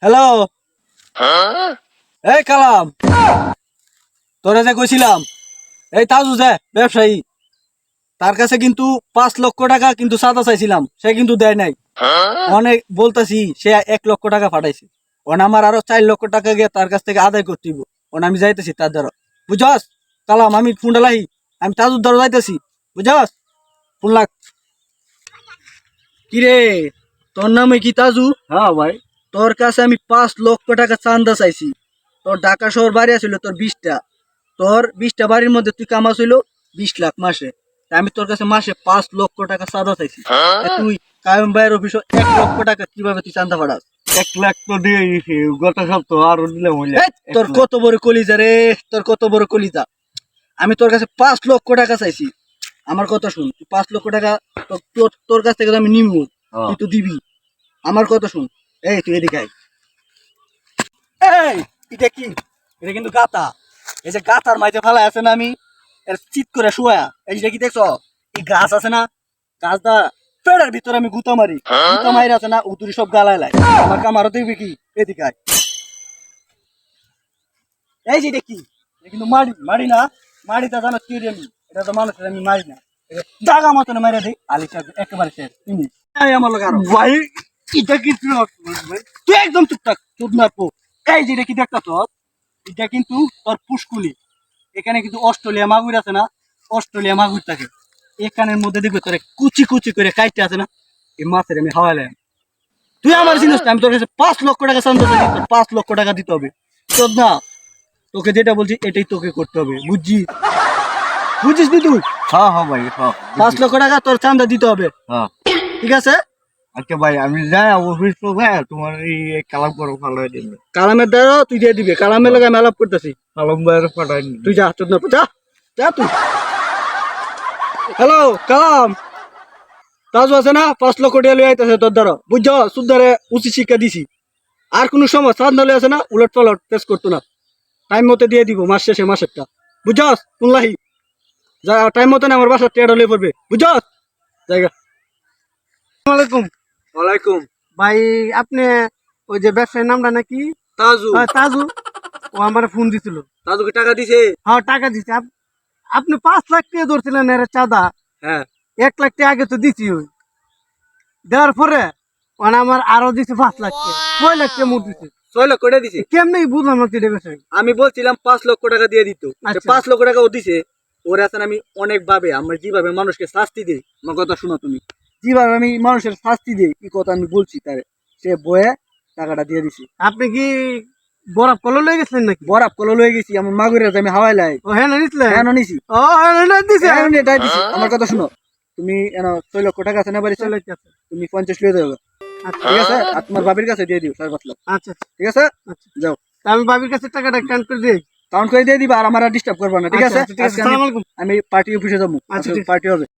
Hello, এই কালাম, তোরে যে কইছিলাম এই তাজু যে ব্যবসায়ী, তার কাছে কিন্তু 5 লক্ষ টাকা কিন্তু চাঁদা চাইছিলাম, সে কিন্তু দেয় নাই। অনেক বলতাছি, সে 1 লক্ষ টাকা পাঠাইছে। ওন আমার আরো 4 লক্ষ টাকা গিয়ে তার কাছ থেকে আদায় করতে হইব। ওন আমি যাইতেছি তার দ্বারা, বুঝছস কালাম? আমি ফোনটা লাহি, আমি তাজুর দ্বারা যাইতেছি, বুঝছস? ফোন লাগ। কিরে, তোর নামে কি তাজু? হ্যাঁ ভাই। তোর কাছে আমি 5 লক্ষ টাকা চান্দা চাইছি। তোর ঢাকা শহর বাড়ি আছিল তোর 20টা, তোর 20টা বাড়ির মধ্যে তুই কামাস হইলো 20 লাখ মাসে। তা আমি তোর কাছে মাসে 5 লক্ষ টাকা চাঁদা চাইছি। তা তুই কায়ম ভাইয়ের অফিসে 1 লক্ষ টাকা কিভাবে তুই চান্দা পাঠাস? 1 লাখ তো দিয়ে দিছি, গত সপ্তাহ আরো দিলাম হইলে। তোর কত বড় কলিজা রে, তোর কত বড় কলিজা! আমি তোর কাছে 5 লক্ষ টাকা চাইছি। আমার কথা শুন, তুই 5 লক্ষ টাকা তোর কাছ থেকে তো আমি নিমু, তুই তো দিবি। আমার কথা শুন, এই তুই এদিকে আয়। এই এটা কি? এটা কিন্তু গাতা। এই যে গাতার মাঝে ফেলা আছে না, আমি এর চিত করে শুয়া। এই যে কি দেখছো, এই গাছ আছে না, গাছটা পেড়ের ভিতরে আমি গুতা মারি, গুতা মারি আছে না, উতুরি সব গালায় লাই। আমার কামারও দেখবি কি? এদিকে আয়। এই যে এটা কি? এটা কিন্তু মাড়ি, মাড়ি না, মাড়িটা জানো কি রে? আমি এটা তো মানুষের আমি মারি না, জাগা মতন মারি দিই। আলিশা একেবারে শেষ। আমার লোক আরো ভাই এটা কি ভাই? তুই একদম চুপটাক, চুপ না পো। এই যে এটা কি দেখতা তোর, এটা কিন্তু তোর পুষ্কুলি। এখানে কিন্তু অস্ট্রেলিয়া মাগুর আছে না, অস্ট্রেলিয়া মাগুর থাকে। এখানের মধ্যে দেখবে তোর কুচি কুচি করে কাইটে আছে না, এই মাছের আমি হাওয়াইলাম। তুই আমার জিনিস না, আমি তোর কাছে 5 লক্ষ টাকা চান্দা চাইছি, তোর 5 লক্ষ টাকা দিতে হবে। তোর না, তোকে যেটা বলছি এটাই তোকে করতে হবে, বুঝছিস? বুঝছিস নি তুই? হ্যাঁ হ্যাঁ ভাই, হ্যাঁ 5 লক্ষ টাকা তোর চান্দা দিতে হবে, হ্যাঁ। ঠিক আছে? আচ্ছা ভাই, আমি যাই অফিস তো ভাই, তোমার এই কালাম করো ফালাই দিন। কালামের দ্বারা তুই দিয়ে দিবি, কালামের লাগে আমি আলাপ করতেছি। কালাম ভাইয়ের ফাটাই দিন। তুই যা, চোদ্দ যা, যা তুই। হ্যালো কালাম, তাজু আছে না, 5 লক্ষ টাকা লিয়ে আইতেছে তোর দ্বারা, বুঝছ? সুদ্ধারে উচিত শিক্ষা দিছি। আর কোন সময় চাঁদ নালে আছে না, উলট পালট পেশ করতো না। টাইম মতো দিয়ে দিব, মাস শেষে মাসেরটা, বুঝছস? শুনলাহি যা, টাইম মতো আমার বাসার টেয়ার লিয়ে পড়বে, বুঝছস? জায়গা। আসসালামাইকুম ওয়ালাইকুম। ভাই, আপনি ওই যে ব্যবসায়ীর নামটা নাকি? তাজু। তাজু। ও আমার ফোন দিছিল। তাজুকে টাকা দিছে? হ্যাঁ, টাকা দিছে। আপনি 5 লাখ টাকা ধরছিলেন এর চাঁদা। হ্যাঁ। 1 লাখ টাকা আগে তো দিছি। ওই দেওয়ার পরে মানে আমার আরো দিছে 5 লাখ টাকা, 6 লাখ টাকা মোট দিছে। 6 লক্ষ দিছে? কেমনি বুঝলাম না তো এটা বিষয়। আমি বলছিলাম 5 লক্ষ টাকা দিয়ে দিত, আচ্ছা। 5 লক্ষ টাকা ও দিছে। ওর এখন আমি অনেক ভাবে, আমরা যেভাবে মানুষকে শাস্তি দিই, আমার কথা শোনো তুমি, যেভাবে আমি মানুষের শাস্তি দিই, কি কথা আমি বলছি তারে, সে বয়ে টাকাটা দিয়ে দিছি। আপনি কি বরফ কল লয়ে গেছিলেন নাকি? বরাব কল লয়ে গেছি, আমার মাগুরে আমি হাওয়াই লাই। ও হ্যাঁ, নিছিলেন? হ্যাঁ নিছি। ও হ্যাঁ দিছে। হ্যাঁ এটাই দিছি। আমার কথা শোনো, তুমি 6 লক্ষ টাকা আছে না বাড়ি, 6 লাখ টাকা। তুমি 50 লিয়ে দেবে, আচ্ছা ঠিক আছে? আর তোমার বাবির কাছে দিয়ে দিও 5.5 লাখ, আচ্ছা ঠিক আছে? আচ্ছা। যাও, তা আমি ভাবির কাছে টাকাটা কাউন্ট করে দিই। কাউন্ট করে দিয়ে দিবা, আর আমার ডিস্টার্ব করবা না, ঠিক আচ্ছা, আছে? আচ্ছা, ঠিক আছে। আজকে আসসালামু আলাইকুম। আমি পার্টি অফিসে যাবো, আচ্ছা, ঠিক আছে। পার্টি হবে।